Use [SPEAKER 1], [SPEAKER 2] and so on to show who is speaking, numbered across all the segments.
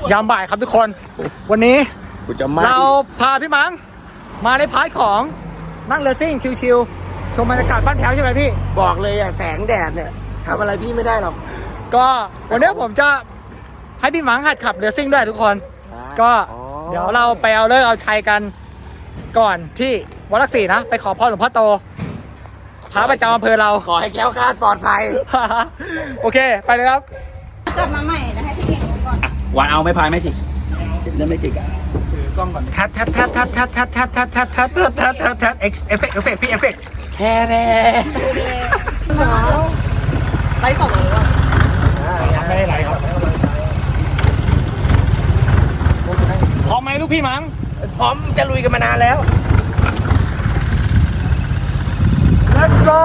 [SPEAKER 1] ยามบ่ายครับทุกคน วันนี้เราพาพี่มังมาในพาร์ทของนั่งเรือซิ่งชิลๆชมบรรยากาศบ้านแถวใช่ไหมพี่
[SPEAKER 2] บอกเลยอะแสงแดดเนี่ยทำอะไรพี่ไม่ได้หรอก
[SPEAKER 1] ก็วันนี้ผมจะให้พี่มังหัดขับเรือซิ่งด้วยทุกคนก็เดี๋ยวเราไปเอาเลิกเอาชัยกันก่อนที่วัดหลักสี่นะไปขอพรหลวงพ่อโตพระประจำอำเภอเรา
[SPEAKER 2] ขอให้แคล้วคลาดปลอดภัย
[SPEAKER 1] โอเคไปเลยครับ
[SPEAKER 3] กลับมาใหม่นะให้พี่เก่งก่อน
[SPEAKER 4] วันเอาไม่พายไม่จิกเล่นไม่จิกอ่ะ
[SPEAKER 1] กล้องก่อนแท็บเอฟเฟกต์พี่เอฟเฟกต์
[SPEAKER 2] แท้
[SPEAKER 3] ไลฟ์สดหรือเปล่า
[SPEAKER 1] ไม่ได้ไลฟ์ครับพร้อมไหมลูกพี่มัง
[SPEAKER 2] พร้อมจะลุยกันมานานแล้ว
[SPEAKER 1] Let's go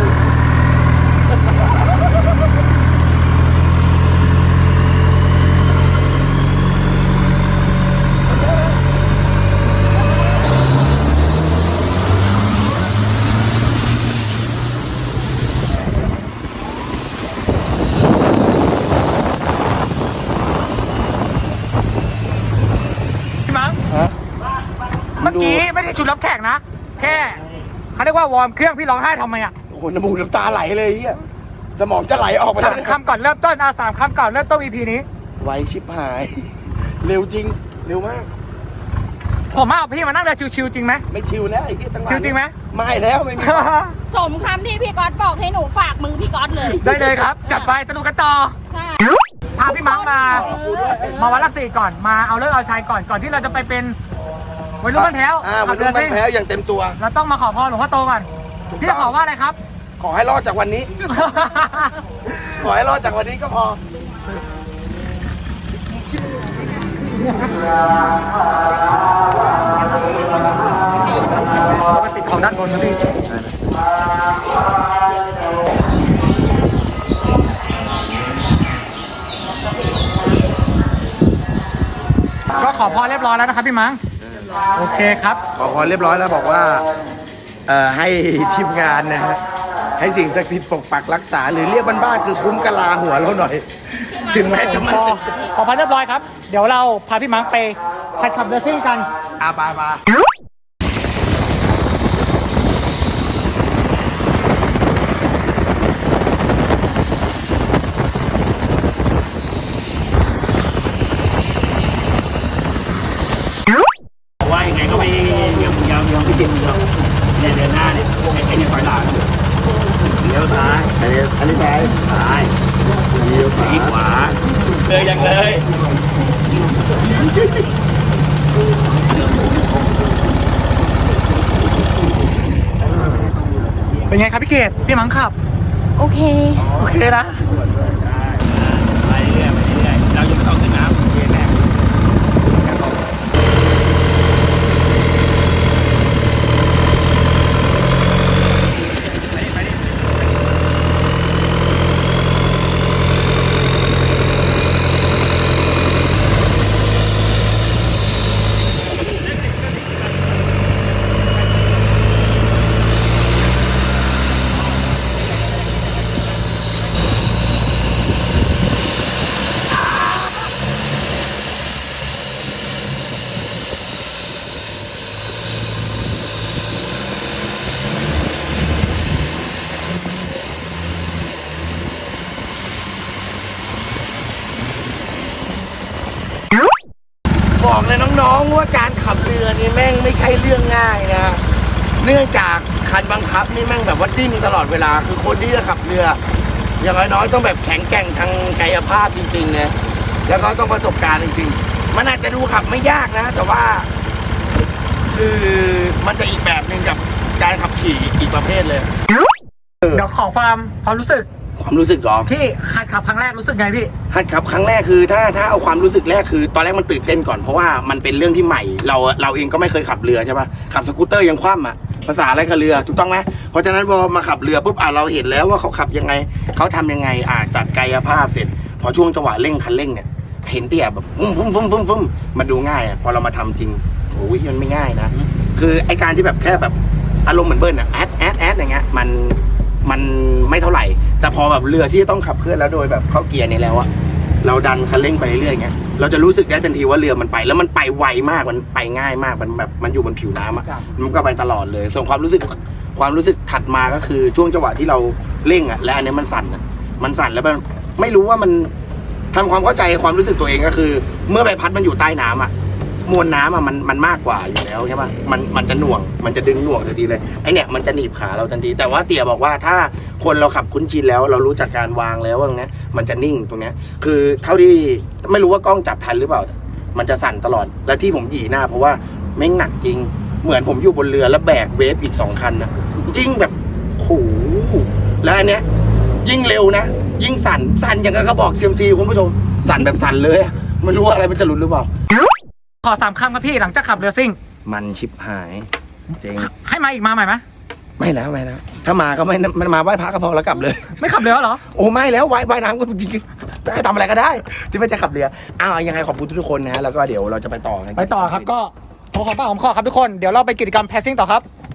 [SPEAKER 1] พี่มังเมื่อกี้ไม่ได้ชุดรับแขกนะแค่เขาเรียกว่าวอร์มเครื่องพี่ร้องไห้ทำไมอ่ะ
[SPEAKER 2] โอ้โหน้ำมูกน้ำตาไหลเลยอ่ะสมองจะไหลออกไปแล้ว
[SPEAKER 1] 3 คำก่อนเริ่มต้น3 คำก่อนเริ่มต้น EP นี้
[SPEAKER 2] ไวชิบหายเร็วจริงเร็วมาก
[SPEAKER 1] ผมเอาพี่มานั่งเรือชิวๆจริงไหม
[SPEAKER 2] ไม่ชิวแล้วไอ้ที่ตั้ง
[SPEAKER 1] ชิวจริงไหม
[SPEAKER 2] ไม่แล้วไม่มี
[SPEAKER 3] สมคำที่พี่ก๊อตบอกให้หนูฝากมือพี่ก๊อตเลย
[SPEAKER 1] ได้เลยครับจัดไปสนุกกันต่อ
[SPEAKER 3] ใช่
[SPEAKER 1] พาพี่มังมาวัดหลักสี่ก่อนมาเอาเลิกเอาชัยก่อนที่เราจะไปเป็นวัยรุ่นบ้านแถว
[SPEAKER 2] วัยรุ่นบ้านแถวอย่างเต็มตัว
[SPEAKER 1] เราต้องมาขอพรหลวงพ่อโตก่อนพี่จะขอว่าอะไรครับ
[SPEAKER 2] ขอให้รอดจากวันนี้ ขอให้รอดจากวันนี้ก็พอ
[SPEAKER 1] ติดของด้านบนนะพี่ก็ขอพรเรียบร้อยแล้วนะครับพี่มังโอเคครับ
[SPEAKER 2] ขอพรเรียบร้อยแล้วบอกว่าให้ทีมงานนะฮะให้สิ่งศักดิ์สิทธิ์ปกปักรักษาหรือเรียกบ้านๆคือคุ้มกะลาหัวเราหน่อยถึงแม้จะมัน
[SPEAKER 1] ขอพรเรียบร้อยครับเดี๋ยวเราพาพี่มังไปหัดขับเรือซิ่งกัน
[SPEAKER 2] บา
[SPEAKER 4] ว่ายังไงก็ไม่ยังไม่จิตเราเนี่ยเดินหน้าเนี่ยไอ้เนี่ยถอยหลังเลี้ยวซ้าย
[SPEAKER 2] อันนี้ซ้าย
[SPEAKER 4] เลี้ยวขวาเลยยังเลย
[SPEAKER 1] เป็นไงครับพี่เกดพี่มังขับ
[SPEAKER 3] โอเค
[SPEAKER 1] นะ
[SPEAKER 4] ไปเรื่อยเรายังไม่ต้องขึ้นน้ำแรก
[SPEAKER 2] บอกเลยน้องๆว่าการขับเรือนี่แม่งไม่ใช่เรื่องง่ายนะเนื่องจากคันบังคับนี่แม่งแบบว่าดิ้นตลอดเวลาคือคนที่จะขับเรืออย่างน้อยๆต้องแบบแข็งแกร่งทางกายภาพจริงๆนะแล้วก็ต้องประสบการณ์จริงๆมันอาจจะดูขับไม่ยากนะแต่ว่าคือมันจะอีกแบบหนึ่งกับการขับขี่อีกประเภทเลย
[SPEAKER 1] เดี๋ยวขอความรู้สึก
[SPEAKER 2] ก่อน
[SPEAKER 1] ที่หัดขับครั้งแรกรู้สึกไงพี่
[SPEAKER 2] หัดขับครั้งแรกคือถ้าเอาความรู้สึกแรกคือตอนแรกมันตื่นเต้นก่อนเพราะว่ามันเป็นเรื่องที่ใหม่เราเองก็ไม่เคยขับเรือใช่ป่ะขับสกูตเตอร์ยังคว่ำอ่ะภาษาอะไรกับเรือถูกต้องไหมเพราะฉะนั้นพอมาขับเรือปุ๊บเราเห็นแล้วว่าเขาขับยังไงเขาทำยังไงจัดกายภาพเสร็จพอช่วงจังหวะเร่งคันเร่งเนี่ยเห็นเตี่ยแบบฟุ้มมันดูง่ายพอเรามาทำจริงโอ้ยมันไม่ง่ายนะคือไอการที่แบบแค่แบบอารมณ์เหมือนเบิ้ลแอดอย่างเงี้ยมันไม่เท่าไหร่แต่พอแบบเรือที่ต้องขับเคลื่อนแล้วโดยแบบเข้าเกียร์เนี่ยแล้วอะเราดันคันเร่งไปเรื่อยๆเงี้ยเราจะรู้สึกได้ทันทีว่าเรือมันไปแล้วมันไปไวมากมันไปง่ายมากมันแบบมันอยู่บนผิวน้ำอะมันก็ไปตลอดเลยส่วนความรู้สึกถัดมาก็คือช่วงจังหวะที่เราเร่งอะและอันนี้มันสั่นอะมันสั่นแล้วมันไม่รู้ว่ามันทำความเข้าใจความรู้สึกตัวเองก็คือ เมื่อใบพัดมันอยู่ใต้น้ำอะมวลน้ำอะมันมากกว่าอยู่แล้วใช่ไหมมันจะหน่วงมันจะดึงหน่วงทันทีเลยไอเนี่ยมันจะหนีบขาเราทันทีแต่ว่าเตี่ยบอกว่าถ้าคนเราขับคุ้นชินแล้วเรารู้จักการวางแล้วว่าตรงเนี้ยมันจะนิ่งตรงเนี้ยคือเท่าที่ไม่รู้ว่ากล้องจับทันหรือเปล่ามันจะสั่นตลอดและที่ผมหยีหน้าเพราะว่าแม่งหนักจริงเหมือนผมอยู่บนเรือแล้วแบกเวฟอีก2 คันนะจริงแบบโหแล้วอันเนี้ยยิ่งเร็วนะยิ่งสั่นอย่างกับกระบอกเซียมซีคุณผู้ชมสั่นแบบสั่นเลยไม่รู้ว่าอะไรมันจะหลุดหรือเปล่า
[SPEAKER 1] ขอ3 คำครับพี่หลังจากขับเรือซิ่ง
[SPEAKER 2] มันชิบหายจริง
[SPEAKER 1] ให้มาอีกมาใหม่ไหม
[SPEAKER 2] ไม่แล้วถ้ามาก็ไม่มันมาไหว้พระก็พอแล้วกลับเลย
[SPEAKER 1] ไม่ขับเรือเหรอ
[SPEAKER 2] โอ้ไม่แล้วว่ายน้ำก็จริงๆได้ทำอะไรก็ได้ที่ไม่จะขับเรือยังไงขอบคุณทุกคนนะฮะแล้วก็เดี๋ยวเราจะไปต่อกัน
[SPEAKER 1] ครับก็ขอปากหอมคอครับทุกคนเดี๋ยวเราไปกิจกรรมแพสซิ่งต่อครับ